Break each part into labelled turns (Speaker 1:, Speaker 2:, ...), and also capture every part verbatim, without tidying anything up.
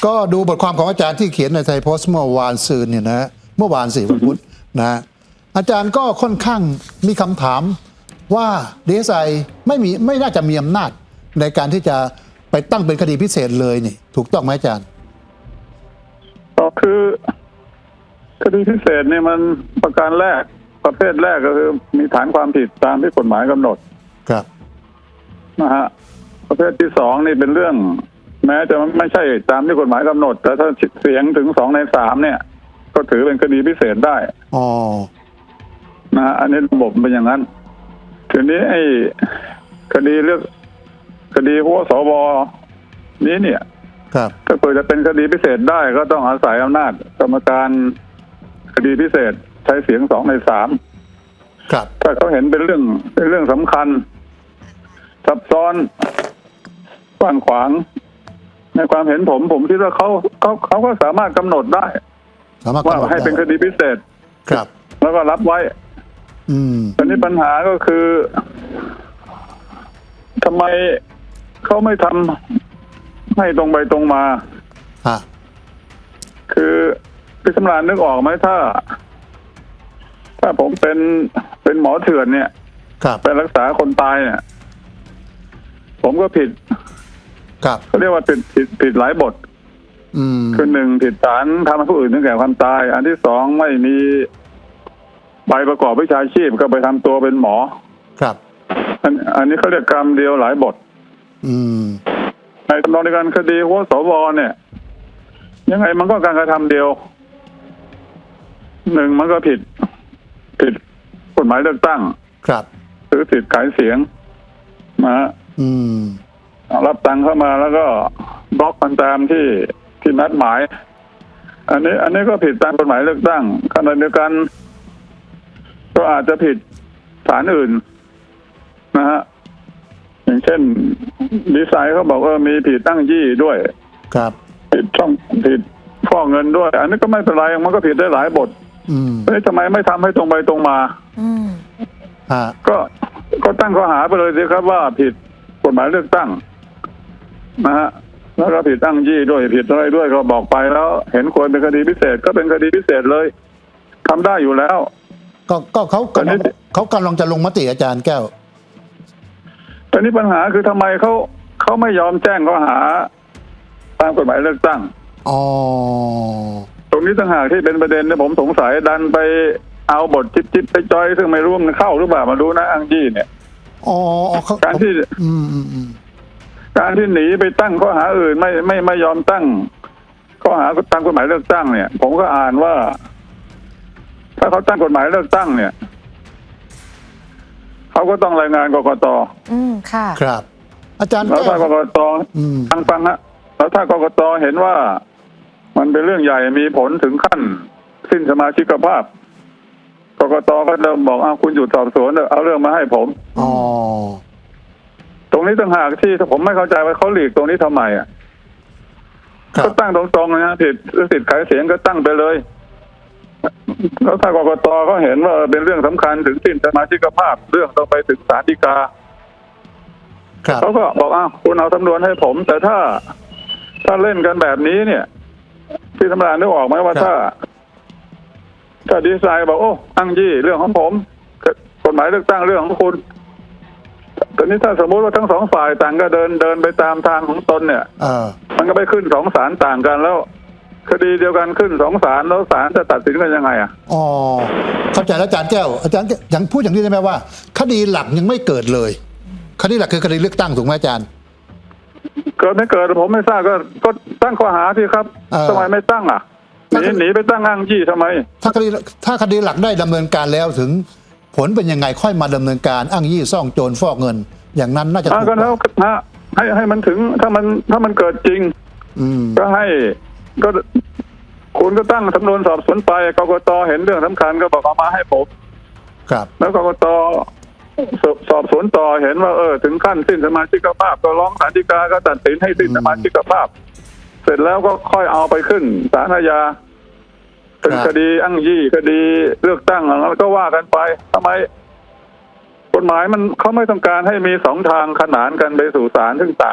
Speaker 1: ก็ดูบทความของอาจารย์ที่เขียนในไทยโพสต์เมื่อวานซืนเนี่ยนะเมื่อวานสี่วันพุธนะอาจารย์ก็ค่อนข้างมีคำถามว่าดีเอสไอไม่มีไม่น่าจะมีอำนาจในการที่จะไปตั้งเป็นคดีพิเศษเลยนี่ถูกต้องไหมอาจารย์
Speaker 2: ก็คือคดีพิเศษเนี่ยมันประการแรกประเภทแรกก็คือมีฐานความผิดตามที่กฎหมายกำหนด
Speaker 1: ครับ
Speaker 2: นะฮะประเภทที่สองนี่เป็นเรื่องแม้จะไม่ใช่ตามที่กฎหมายกำหนดแต่ถ้าเสียงถึงสองในสามเนี่ยก็ถือเป็นคดีพิเศษได้
Speaker 1: อ๋อ
Speaker 2: นะฮะอันนี้ระบบเป็นอย่างนั้นทีนี้ไอ้คดีเรื่องคดีหัวสวนี้เนี่ย
Speaker 1: ครับ
Speaker 2: ถ้าเกิดจะเป็นคดีพิเศษได้ก็ต้องอาศัยอำนาจกรรมการคดีพิเศษใช้เสียงสองในสาม
Speaker 1: ครับ
Speaker 2: ถ้าเขาเห็นเป็นเรื่องเป็นเรื่องสำคัญซับซ้อนกว้างขวางในความเห็นผมผมคิดว่าเขาเขาเขาก็สามารถกำหนดได้ว่าให้เป็นคดีพิเศษ
Speaker 1: ครับ
Speaker 2: แล้วก็รับไว้
Speaker 1: อืม
Speaker 2: ตอนนี้ปัญหาก็คือทำไมเขาไม่ทำให้ตรงไปตรงมา
Speaker 1: ฮะ
Speaker 2: คือพี่สำราญนึกออกไหมถ้าถ้าผมเป็นเป็นหมอเถื่อนเนี่ยไปรักษาคนตายเนี่ยผมก็ผิด
Speaker 1: ครับ
Speaker 2: เขาเรียกว่าผิดผิดผิดหลายบท
Speaker 1: อืม
Speaker 2: คือหนึ่งผิดฐานทำให้ผู้อื่นถึงแก่ความตายอันที่สองไม่มีใบประกอบวิชาชีพก็ไปทำตัวเป็นหมอ
Speaker 1: ครับ
Speaker 2: อันอันนี้เขาเรียกกรรมเดียวหลายบท
Speaker 1: อืม
Speaker 2: ในตำนองในการคดีหัวสวเนี่ยยังไงมันก็การกระทำเดียวหนึ่งมันก็ผิดผิดกฎหมายเลือกตั้ง
Speaker 1: ครับ
Speaker 2: หรือผิดขายเสียงนะ
Speaker 1: อืม
Speaker 2: รับตังค์เข้ามาแล้วก็บล็อกกันตามที่ที่นัดหมายอันนี้อันนี้ก็ผิดตามกฎหมายเลือกตั้งขณะเดียวกันก็อาจจะผิดฐานอื่นนะฮะอย่างเช่นดีไซน์เขาบอกว่ามีผิดตั้งยี่ด้วย
Speaker 1: ครับ
Speaker 2: ผิดช่องผิดฟอกเงินด้วยอันนี้ก็ไม่เป็นไรมันก็ผิดได้หลายบท
Speaker 1: อืม
Speaker 2: เฮ้ยทำไมไม่ทำให้ตรงไปตรงมา
Speaker 1: อืมฮะ
Speaker 2: ก็ก็ตั้งข้อหาไปเลยสิครับว่าผิดกฎหมายเลือกตั้งนะฮะแล้วก็ผิดตั้งยี่ด้วยผิดอะไรด้วยก็บอกไปแล้วเห็นควรเป็นคดีพิเศษก็เป็นคดีพิเศษเลยทำได้อยู่แล้ว
Speaker 1: ก็ก็เขากำลังเขากำลังจะลงมติอาจารย์แก้ว
Speaker 2: ตอนนี้ปัญหาคือทำไมเขาเขาไม่ยอมแจ้งข้อหาตามกฎหมายเลือกตั้ง
Speaker 1: อ๋อ
Speaker 2: ตรงนี้ต่างหากที่เป็นประเด็นที่ผมสงสัยดันไปเอาบทจิ๊บจิ๊บไปจอยซึ่งไม่รู้มันเข้าหรือเปล่ามาดูนะอังยี่เนี่ย
Speaker 1: อ๋อ
Speaker 2: การที่
Speaker 1: อืมอืมอืม
Speaker 2: การที่หนีไปตั้งข้อหาอื่นไม่ไม่ไม่ยอมตั้งข้อหาตามกฎหมายเลือกตั้งเนี่ยผมก็อ่านว่าถ้าเขาตั้งกฎหมายเลือกตั้งเนี่ยเขาก็ต้องรายงานกกต.
Speaker 3: อืมค่ะ
Speaker 1: ครับอาจารย์
Speaker 2: แล้วถ้ากกต.ฟังฟังฮะแล้วถ้ากกต.เห็นว่ามันเป็นเรื่องใหญ่มีผลถึงขั้นสิ้นสมาชิกภาพกกต.ก็จะบอกอ้าวคุณหยุดสอบสวนเอาเรื่องมาให้ผม
Speaker 1: อ๋อ
Speaker 2: ตรงนี้ต่างหากที่ผมไม่เข้าใจว่าเขาหลีกตรงนี้ทำไมอ่ะก็ตั้งตรงๆนะผิดสิทธิ์ขายเสียงก็ตั้งไปเลยแล้วถ้ากกต.เขาเห็นว่าเป็นเรื่องสำคัญถึงสิ้นสมาชิกภาพเรื่องต้องไปถึงศาลฎีกาเขาก็บอกอ้าวคุณเอาสำนวนให้ผมแต่ถ้าถ้าเล่นกันแบบนี้เนี่ยพี่สำราญนึกออกไหมว่าถ้าถ้าดีไซน์บอกโอ้อังยี่เรื่องของผมกฎหมายเลือกตั้งเรื่องของคุณตอนนี้ถ้าสมมติว่าทั้งสองฝ่ายต่างก็เดินเดินไปตามทางของตนเนี่ยมันก็ไปขึ้นสองศาลต่างกันแล้วคดีเดียวกันขึ้นสองศาลแล้วศาลจะตัดสินกันยังไงอ่ะ
Speaker 1: อ๋อเข้าใจแล้วอาจารย์แก้วอาจารย์ยังพูดอย่างนี้ได้ไหมว่าคดีหลักยังไม่เกิดเลยคดีหลักคือคดีเลือกตั้งถูกไหมอาจารย์
Speaker 2: เกิดไม่เกิดผมไม่ทราบก็ก็ตั้งข้อหาที่ครับทำไมไม่ตั้งอ่ะหนีหนีไปตั้งอ้างยี่ทำไม
Speaker 1: ถ้าคดีถ้าคดีหลักได้ดำเนินการแล้วถึงผลเป็นยังไงค่อยมาดำเนินการอ้างยี่ซ่องโจรฟอกเงินอย่างนั้นน่าจะถูก
Speaker 2: ก็แล้วฮะให้ให้มันถึงถ้ามันถ้ามันเกิดจริงก็ให้ก็คุณก็ตั้งสำนวนสอบสวนไปกกต.เห็นเรื่องสำคัญก็บอกเอามาให้ผม
Speaker 1: ครับ
Speaker 2: แล้วกกต.สอบสวนต่อเห็นว่าเออถึงขั้นสิ้นสมาชิกภาพก็ร้องศาลฎีกาก็ตัดสินให้สิ้นสมาชิกภาพเสร็จแล้วก็ค่อยเอาไปขึ้นศาลอาญาเป็นคดีอ้างยี่คดีเลือกตั้งแล้วก็ว่ากันไปทำไมกฎหมายมันเขาไม่ต้องการให้มีสองทางขนานกันไปสู่ศาลซึ่งต่างกัน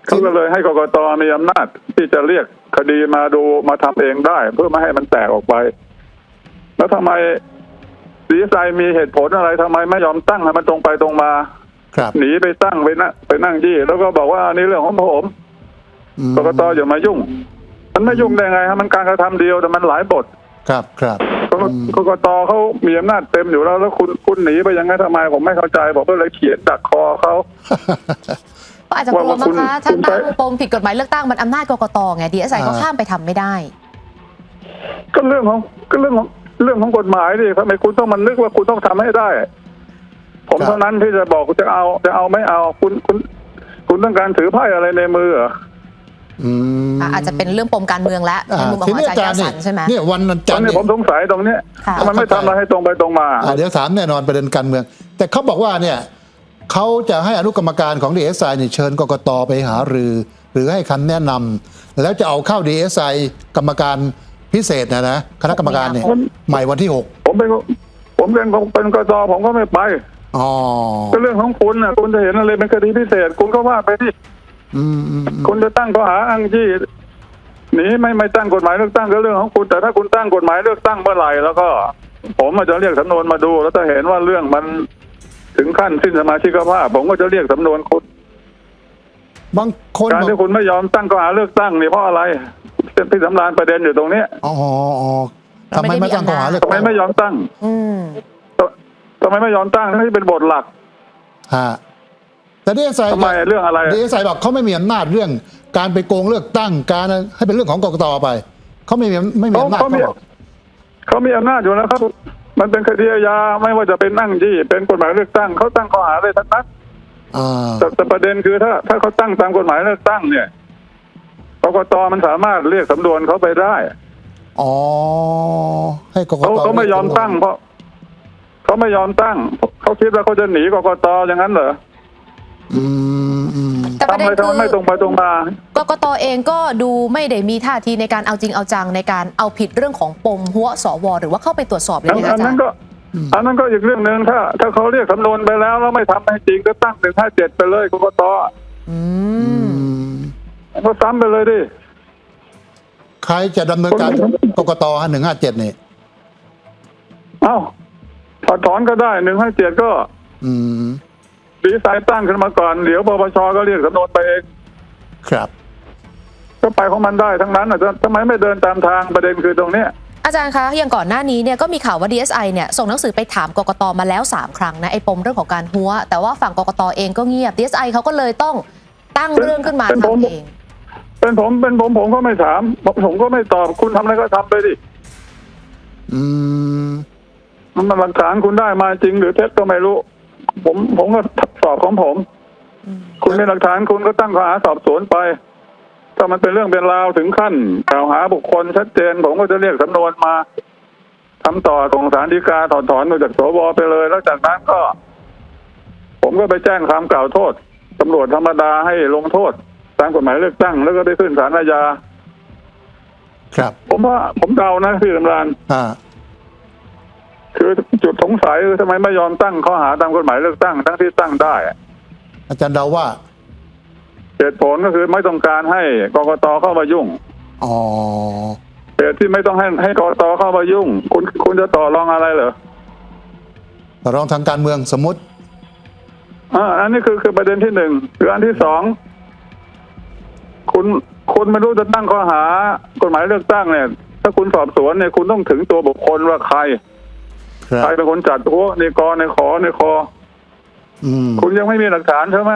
Speaker 2: เขาก็เลยให้กกตมีอำนาจที่จะเรียกคดีมาดูมาทำเองได้ เพื่อไม่ให้มันแตกออกไป แล้วทำไมดีไซน์มีเหตุผลอะไรทำไมไม่ยอมตั้งให้มันตรงไปตรงมา
Speaker 1: ครับ
Speaker 2: หนีไปตั้งไปนั่งไปนั่งยี่แล้วก็บอกว่านี่เรื่องของผม
Speaker 1: อืม
Speaker 2: กกตอย่ามายุ่ง มันไม่ยุ่งได้ไงฮะมันการกระทำเดียวแต่มันหลายบท
Speaker 1: ครับครับ
Speaker 2: กกกกตเขามีอำนาจเต็มอยู่แล้วแล้วคุณคุณหนีไปยังไงทำไมผมไม่เข้าใจผมก็เลยเขียนดักคอเขา
Speaker 3: ก็อาจจะกลัว
Speaker 2: ว่า
Speaker 3: มั้
Speaker 2: คุ
Speaker 3: ง
Speaker 2: ณ
Speaker 3: คะถ้า
Speaker 2: คุณใช้
Speaker 3: ตั้งปมผิดกฎหมายเลือกตั้งมันอำนาจกกตไง ดี เอส ไอ ก็ข้ามไปทำไม่ได้
Speaker 2: ก็เรื่องของก็เรื่องของเรื่องของกฎหมายดิทำไมคุณต้องมันนึกว่าคุณต้องทำให้ได้ ผม
Speaker 1: ครับ
Speaker 2: เท่านั้นที่จะบอกจะเอาจะเอาไม่เอาคุณคุณคุณต้องการถือไพ่อะไรในมือเหรอ
Speaker 1: อืม
Speaker 3: อาจจะเป็นเรื่องปมการเมืองและในมุมของอาจารย์แก้วสันใช่ไหม
Speaker 1: เนี่ยวัน
Speaker 2: ต
Speaker 1: จั
Speaker 2: อน
Speaker 1: นทร์
Speaker 2: นี้
Speaker 1: เนี่ย
Speaker 2: ผมสงสัยตรงเนี้ย
Speaker 3: ค่ะ
Speaker 2: ทำไมไม่ทำอะไรให้ตรงไปตรงมา
Speaker 1: อ่าเดี๋ยวถามแน่นอนประเด็นการเมือง แต่เขาบอกว่าเนี่ยเขาจะให้อนุกรรมการของ ดี เอส ไอ เนี่ยเชิญกกตไปหารือ หรือให้คำแนะนำแล้วจะเอาเข้า ดี เอส ไอ กรรมการพิเศษนะนะคณะกรรมการเนี่ย
Speaker 2: มัน
Speaker 1: ใหม่วันที่หก
Speaker 2: ผมเป็นผมเป็นเป็นกตผมก็ไม่ไป
Speaker 1: อ๋อ
Speaker 2: ก็เรื่องของคุณนะคุณจะเห็นอะไรเป็นคดีพิเศษ คุณก็ว่าไปที่
Speaker 1: อืมอืมอืม
Speaker 2: คุณจะตั้งข้อหาอ้างยี่หนีไม่ไม่ตั้งกฎหมายเลือกตั้งก็เรื่องของคุณแต่ถ้าคุณตั้งกฎหมายเลือกตั้งเมื่อไหร่แล้วก็ ผมอาจจะเรียกสำนวนมาดู แล้วถ้าเห็นว่าเรื่องมันถึงขั้นสิ้นสมาชิกภาพผมก็จะเรียกสำนวนคุณ
Speaker 1: บางคน
Speaker 2: การ
Speaker 1: บอก
Speaker 2: ที่คุณไม่ยอมตั้งข้อหาเลือกตั้งนี่เพราะอะไรพี่สำราญประเด็นอยู่ตรงเนี้ย
Speaker 1: อ๋ออ๋อทำไมไม่ตั้งข้อหาเลือก
Speaker 2: ทำไม
Speaker 1: ตั้ง
Speaker 2: ไม่ยอมตั้ง
Speaker 3: อืม
Speaker 2: ทำไมไม่ยอมตั้งที่เป็นบทหลัก
Speaker 1: ฮะแต่ ดี เอส ไอ
Speaker 2: ทำไมเรื่องอะไร
Speaker 1: ดี เอส ไอ บอกเขาไม่มีอำนาจเรื่องการไปโกงเลือกตั้งการให้เป็นเรื่องของกกตไปเขาไม่มีไม่มี
Speaker 2: เขา
Speaker 1: อำนาจ
Speaker 2: เขามี
Speaker 1: เขาบอก
Speaker 2: เขามีอำนาจอยู่แล้วครับ มันเป็นคดีอาญาไม่ว่าจะเป็นนั่งยี่เป็นกฎหมายเลือกตั้งเขาตั้งข้อหาเลยทั้งนั้น
Speaker 1: อ่า
Speaker 2: แต่แต่ประเด็นคือถ้าถ้าเขาตั้งตามกฎหมายเลือกตั้งเนี่ยกกตมันสามารถเรียกสำนวนเขาไปได้
Speaker 1: อ๋อให้กก
Speaker 2: เขา
Speaker 1: ต
Speaker 2: เขาไม่ยอมตั้งเพราะเขาไม่ยอมตั้งเขาคิดว่าเขาจะหนีกกตอย่างนั้นเหรอ
Speaker 1: อืมอืม
Speaker 3: แต่ประ
Speaker 2: ทำ
Speaker 3: เด็น
Speaker 2: ไมทำ
Speaker 3: คื
Speaker 2: ไมไม่ตรงไปตรงมา
Speaker 3: กกตเองก็ดูไม่ได้มีท่าทีในการเอาจริงเอาจังในการเอาผิดเรื่องของปมหัวสวหรือว่าเข้าไปตรวจสอบเลย
Speaker 2: อัน
Speaker 3: นะคะ
Speaker 2: อั
Speaker 3: อาน จา
Speaker 2: นั้
Speaker 3: ร
Speaker 2: น
Speaker 3: ย์
Speaker 2: ก็อันนั้นก็อีกเรื่องหนึ่งถ้า ถ้าเขาเรียกสำนวนไปแล้วแล้วไม่ทำให้จริงก็ตั้งหนึ่งห้าเจ็ดไปเลยกกต
Speaker 3: อืม
Speaker 2: ก็ซ้ำไปเลยดิ
Speaker 1: ใครจะดำเนินการกกตหนึ่งห้าเจ็ดนี่
Speaker 2: เอ้าถอดถอนก็ได้หนึ่งห้าเจ็ดก็
Speaker 1: อืม
Speaker 2: ดีไซน์ตั้งขึ้นมาก่อนเดี๋ยวปปชก็เรียกสำนวนไปเอง
Speaker 1: ครับ
Speaker 2: ก็ไปของมันได้ทั้งนั้นอ่ะทำไมไม่เดินตามทางประเด็นคือตรงเนี้ย
Speaker 3: อาจารย์คะอย่างก่อนหน้านี้เนี่ยก็มีข่าวว่า ดี เอส ไอ เนี่ยส่งหนังสือไปถามกกตมาแล้วสามครั้งนะไอ้ปมเรื่องของการหัวแต่ว่าฝั่งกกตเองก็เงียบ ดี เอส ไอ เขาก็เลยต้องตั้งเรื่องขึ้นมา
Speaker 2: เป็นผม
Speaker 3: ทำเอง
Speaker 2: เป็นผมเป็นผมผมก็ไม่ถามผมผมก็ไม่ตอบคุณทำอะไรก็ทำไปดิ
Speaker 1: อืม
Speaker 2: มันมันหลักฐานคุณได้มาจริงหรือเท็จก็ไม่รู้ ผมผมก็สอบของผม คุณมีหลักฐานคุณก็ตั้งข้อหาสอบสวนไปถ้ามันเป็นเรื่องเป็นราวถึงขั้นกล่าวหาบุคคลชัดเจนผมก็จะเรียกสำนวนมาทำต่อส่งศาลฎีกาถอนถอนมาจากสวไปเลย แล้วจากนั้นก็ ผมก็ไปแจ้งความกล่าวโทษตำรวจธรรมดาให้ลงโทษตามกฎหมายเลือกตั้งแล้วก็ได้ขึ้นศาลอาญา
Speaker 1: ครับ
Speaker 2: ผมว่าผมเดานะพี่สำราญ
Speaker 1: อ่า
Speaker 2: คือจุดสงสัยคือทำไมไม่ยอมตั้งข้อหาตามกฎหมายเลือกตั้งทั้งที่ตั้งได้
Speaker 1: อาจารย์เดาว่า
Speaker 2: เหตุผลก็คือไม่ต้องการให้กกตเข้ามายุ่ง
Speaker 1: อ๋อ
Speaker 2: เหตุที่ไม่ต้องให้ให้กกตเข้ามายุ่ง คุณคุณจะต่อรองอะไรเหรอ
Speaker 1: ต่อรองทางการเมืองสมมติ
Speaker 2: อ่าอันนี้คือคือประเด็นที่หนึ่งคืออันที่สองคุณคุณไม่รู้จะตั้งข้อหากฎหมายเลือกตั้งเนี่ย ถ้าคุณสอบสวนเนี่ยคุณต้องถึงตัวบุคคลว่าใคร
Speaker 1: ครับ
Speaker 2: ใครเป็นคนจัดหัวในกอในขอในคอ
Speaker 1: อืม
Speaker 2: คุณยังไม่มีหลักฐานใช่ไหม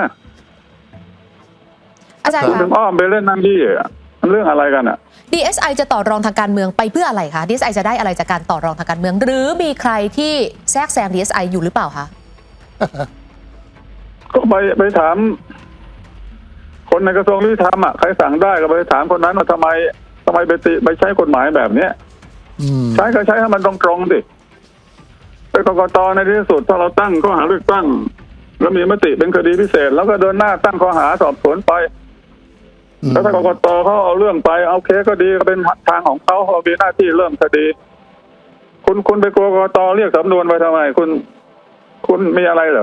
Speaker 3: อาจารย์
Speaker 2: คุณ
Speaker 3: คะ
Speaker 2: ถึงอ้อมไปเล่นนั่งยี่อ่ะมันเรื่องอะไรกันอ่ะ
Speaker 3: ดี เอส ไอ จะต่อรองทางการเมืองไปเพื่ออะไรคะ ดี เอส ไอ จะได้อะไรจากการต่อรองทางการเมือง หรือมีใครที่แทรกแซง ดี เอส ไอ อยู่หรือเปล่าคะ
Speaker 2: ก็ไปไปถาม คนในกระทรวงยุติธรรมอ่ะใครสั่งได้ก็ไปถามคนนั้นว่าทำไมทำไมไปติไปใช้กฎหมายแบบเนี้ย
Speaker 1: อืม
Speaker 2: ใช้ก็ใช้ให้มันตรงๆดิเป็นกกตในที่สุดถ้าเราตั้งข้อหาเลือกตั้ง แล้วมีมติเป็นคดีพิเศษ แล้วก็เดินหน้าตั้งข้อหาสอบสวนไป
Speaker 1: อืม
Speaker 2: แล้วถ้ากกตเขาเอาเรื่องไปเอาเคสก็ดีก็เป็นทางของเขาเขามีหน้าที่เริ่มคดี คุณคุณไปกลัวกกตเรียกสำนวนไปทำไม คุณ คุณมีอะไรเหรอ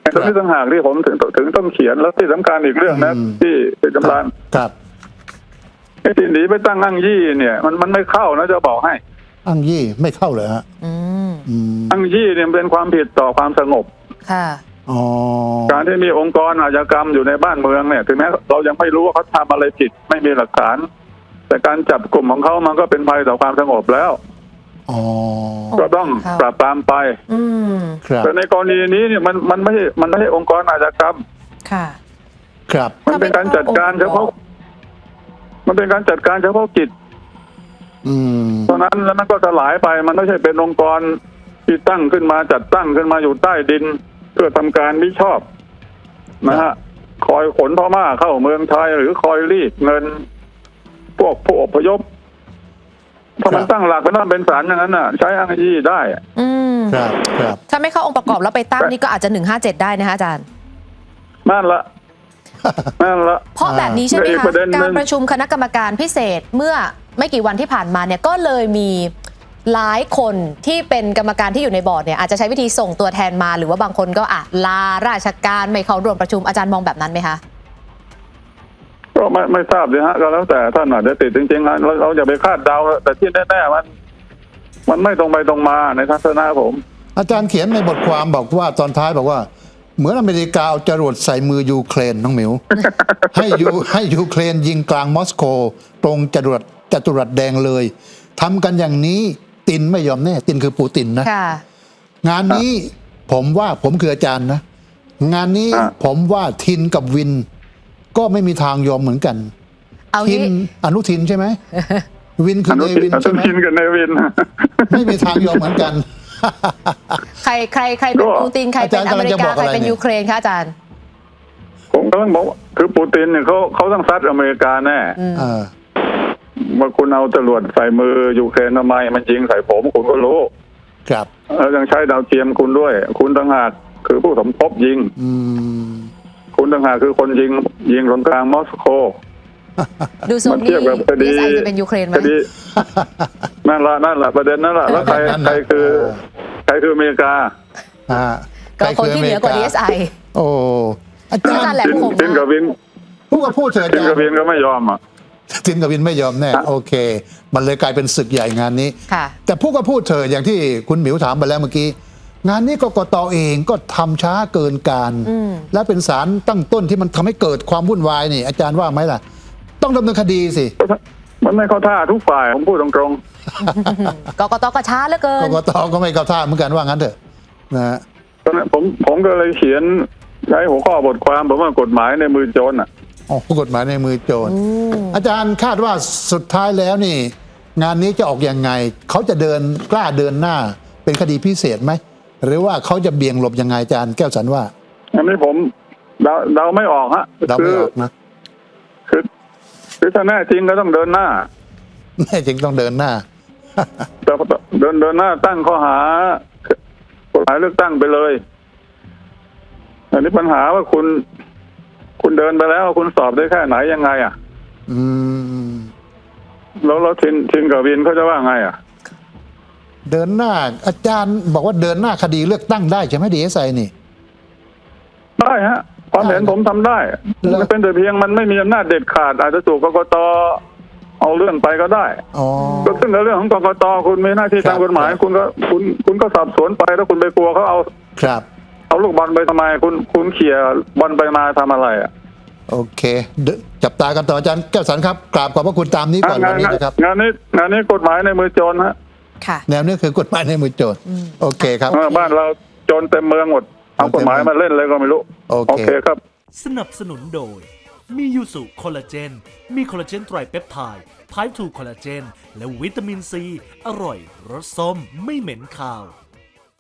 Speaker 2: ตรงนี้ต่างหากที่ผมถึงถึงต้องเขียนแล้วที่สำคัญอีกเรื่องนะ
Speaker 1: อืม
Speaker 2: ที่เป็นกำลัง
Speaker 1: ครับ
Speaker 2: ไอ้ที่หนีไปตั้งอ้างยี่เนี่ยมันมันไม่เข้านะจะบอกให้
Speaker 1: อ้างยี่ไม่เข้าเลยฮะ
Speaker 3: อืม
Speaker 1: อืม
Speaker 2: อ้างยี่เนี่ยเป็นความผิดต่อความสงบ
Speaker 3: ค่ะ
Speaker 1: อ๋อ
Speaker 2: การที่มีองค์กรอาชญากรรมอยู่ในบ้านเมืองเนี่ยถึงแม้เรายังไม่รู้ว่าเขาทำอะไรผิดไม่มีหลักฐาน แต่การจับกลุ่มของเขามันก็เป็นภัยต่อความสงบแล้ว
Speaker 1: อ๋อ
Speaker 2: ก็ต้อง
Speaker 3: ครับ
Speaker 2: ปราบปรามไป
Speaker 3: อืม
Speaker 1: ครับ
Speaker 2: แต่ในกรณีนี้เนี่ยมันมันไม่ใช่มันไม่ใช่องค์กรอาชญากรรม
Speaker 3: ค่ะ
Speaker 1: ครับ
Speaker 2: มันเป็นการจัดการเฉพาะ มันเป็นการจัดการเฉพาะกิจ
Speaker 1: อืม
Speaker 2: เพราะนั้นแล้วมันก็สลายไปมันไม่ใช่เป็นองค์กรที่ตั้งขึ้นมาจัดตั้งขึ้นมาอยู่ใต้ดิน เพื่อทำการมิชอบนะฮะคอยขนพม่าเข้าเมืองไทยหรือคอยรีดเงิน พวกผู้อพยพถ้ามันตั้งหลักเป็นว่าเป็นศาลอย่างนั้นน่ะ ใช้อ้างยี่ได้อะ
Speaker 3: อืม
Speaker 1: ครับครับ
Speaker 3: ถ้าไม่เข้าองค์ประกอบแล้วไปตั้งนี่ก็อาจจะหนึ่งห้าเจ็ดได้นะคะอาจารย์
Speaker 2: นั่นละนั่นละ
Speaker 3: เพราะแบบนี้ใช่ไหม
Speaker 2: อีก
Speaker 3: คะ
Speaker 2: ประเด็นหนึ่ง
Speaker 3: การประชุมคณะกรรมการพิเศษเมื่อไม่กี่วันที่ผ่านมาเนี่ยก็เลยมีหลายคนที่เป็นกรรมการที่อยู่ในบอร์ดเนี่ยอาจจะใช้วิธีส่งตัวแทนมาหรือว่าบางคนก็อ่ะลาราชการไม่เข้าร่วมประชุมอาจารย์มองแบบนั้นไหมคะ
Speaker 2: ก็ไม่ไม่ทราบเลยฮะก็แล้วแต่ท่านอาจจะติดจริงๆนะเราเราอย่าไปคาดเดาแต่ที่แน่ๆมัน มันไม่ตรงไปตรงมาในทัศนะผม
Speaker 1: อาจารย์เขียนในบทความบอกว่าตอนท้ายบอกว่า เหมือนอเมริกาเอาจรวดใส่มือยูเครนน้องหมิว ให้ยูให้ยูเครนยิงกลางมอสโก ตรงจรวดจตุรัสแดงเลยทำกันอย่างนี้ตินไม่ยอมแน่ ตินคือปูตินนะ
Speaker 3: ค่ะ
Speaker 1: งานนี้ผมว่าผมคืออาจารย์นะ งานนี้
Speaker 2: อ่ะ
Speaker 1: ผมว่าทินกับวิน ก็ไม่มีทางยอมเหมือนกัน
Speaker 3: เอา
Speaker 1: ทิน
Speaker 3: งี้
Speaker 1: อนุทินใช่ไหม วินคือ
Speaker 2: อนุ
Speaker 1: เน
Speaker 2: ทิ
Speaker 1: วิ
Speaker 2: น
Speaker 1: น
Speaker 2: อนุ
Speaker 1: ใช่ไหม
Speaker 2: ทินกับเนวิน
Speaker 1: ไม่มีทางยอมเหมือนกัน
Speaker 3: ใครใครใครเป็น
Speaker 2: ก็
Speaker 3: ปูตินใครเป็น
Speaker 1: อาจารย์
Speaker 3: อเมริ
Speaker 1: กำลังจะบ
Speaker 3: กา
Speaker 1: อก
Speaker 3: ใคร
Speaker 1: อะไร
Speaker 3: เป็น
Speaker 1: เนี่ย
Speaker 3: ยูเครนคะอาจารย์
Speaker 2: ผมก็ต้องบอกว่าคือปูตินเนี่ยเขาเขาต้องซัดอเมริกาแน่
Speaker 1: เออ
Speaker 2: ว่าคุณเอาจรวดใส่มือยูเครนทำไมมันยิงใส่ผมคุณก็รู้
Speaker 1: ครับ
Speaker 2: แล้วยังใช้ดาวเทียมคุณด้วย คุณต่างหากคือผู้สมทบยิง
Speaker 1: อืม
Speaker 2: คุณต่างหากคือคนยิงยิงตรงกลางมอสโก
Speaker 3: ดูทรง
Speaker 2: มัน
Speaker 3: นี่
Speaker 2: เทียบกับคดี
Speaker 3: ดีเอสไอจะเป็นยูเครนไหม
Speaker 2: คดีนั่นละนั่นละประเด็นนั่นละแล้วใคร
Speaker 1: นั่น
Speaker 2: ใคร
Speaker 1: น่ะ
Speaker 2: คือ
Speaker 1: เออ
Speaker 2: ใครคืออเมริกา
Speaker 1: อ่า
Speaker 3: ก็คนที่เหนือกว่า ดีเอสไอ
Speaker 1: โอ้อาจาร
Speaker 3: อาจารย์
Speaker 1: ย์
Speaker 3: แหลม
Speaker 2: จิน
Speaker 3: คม
Speaker 2: จินกับวิน
Speaker 1: พูดก็พูดเถอะอา
Speaker 2: จิน
Speaker 1: จาร
Speaker 2: กับ
Speaker 1: ย์
Speaker 2: วินก็ไม่ยอมอ่ะ
Speaker 1: ทินกับวินไม่ยอมแน่ โอเค มันเลยกลายเป็นศึกใหญ่งานนี้
Speaker 3: ค่ะ
Speaker 1: แต่พูดก็พูดเถอะอย่างที่คุณหมิวถามไปแล้วเมื่อกี้ งานนี้กกตเองก็ทำช้าเกินการ
Speaker 3: อืม
Speaker 1: และเป็นสารตั้งต้นที่มันทำให้เกิดความวุ่นวายนี่ อาจารย์ว่าไหมล่ะ ต้องดำเนินคดีสิ
Speaker 2: มันไม่เข้าท่าทุกฝ่ายผมพูดตรง
Speaker 3: กกตก็ช้าเหลือเกิ
Speaker 1: ก
Speaker 3: น
Speaker 1: กตก็ไม่เข้าท่าเหมือนกันว่างั้นเถอะนะฮะ
Speaker 2: ๆตอนนั้นผมผมก็เลยเขียนใช้หัวข้อบทความผมว่ากฎหมายในมือโจรอ่ะ
Speaker 1: อ๋อกฎหมายในมือโจร
Speaker 3: อืม
Speaker 1: อาจารย์คาดว่าสุดท้ายแล้วนี่ งานนี้จะออกยังไง เขาจะเดินกล้าเดินหน้า เป็นคดีพิเศษไหม หรือว่าเขาจะเบี่ยงหลบยังไงอาจารย์แก้วสันว่า
Speaker 2: อันนี้ผมเดาเดาไม่ออกฮะ
Speaker 1: เรา
Speaker 2: คื
Speaker 1: ไม่
Speaker 2: อ
Speaker 1: ออกนะ
Speaker 2: คือคือถ้าแน่จริงก็ต้องเดินหน้า
Speaker 1: แน่จริงต้องเดินหน้า
Speaker 2: แต่เดินเดินหน้าตั้งข้อหากฎหมายเลือกตั้งไปเลยอันนี้ปัญหาว่าคุณ คุณเดินไปแล้วคุณสอบได้แค่ไหนยังไง อ่ะ
Speaker 1: อืม
Speaker 2: แล้วแล้วทินทินกับวินเขาจะว่าไงอ่ะ
Speaker 1: เดินหน้า อาจารย์บอกว่าเดินหน้าคดีเลือกตั้งได้ใช่ไหมดีเอสไอนี่
Speaker 2: ได้ฮะความเห็นผมทำได้
Speaker 1: แล้ว
Speaker 2: มันเป็นแต่เพียงมันไม่มีอำนาจเด็ดขาด อาจจะถูกกกตเอาเรื่องไปก็ได้
Speaker 1: อ๋อ
Speaker 2: ก็ซึ่งในเรื่องของกกตคุณมีหน้าที่
Speaker 1: ครับ
Speaker 2: ตามกฎหมาย
Speaker 1: ครับ
Speaker 2: คุณก็คุณคุณก็สอบสวนไปแล้วคุณไปกลัวเขาเอา
Speaker 1: ครับ
Speaker 2: เอาลูกบอลไปทำไม คุณคุณเขี่ยบอลไปมาทำอะไรอ่ะ
Speaker 1: โอเคเดจับตากันต่ออาจารย์แก้วสันครับกราบขอบพระคุณตามนี้ก่อน
Speaker 2: งา
Speaker 1: วัน นนี้นะครับ
Speaker 2: งานนี้งานนี้กฎหมายในมือโจรฮะ
Speaker 3: ค่ะ
Speaker 1: แนวนี้คือกฎหมายในมือโจร
Speaker 3: อืม
Speaker 1: โอเคครับ
Speaker 2: เออบ้านเราโจรเต็มเมืองหมดเอากฎหมายมาเล่นเลยก็ไม่รู้
Speaker 1: โอเค
Speaker 2: โอเคครับ
Speaker 4: สนับสนุนโดย มียูสุคอลลาเจน มีคอลลาเจนไตรเปปไทด์ไพร์ทูคอลลาเจน และวิตามินซี อร่อยรสส้มไม่เหม็นคาว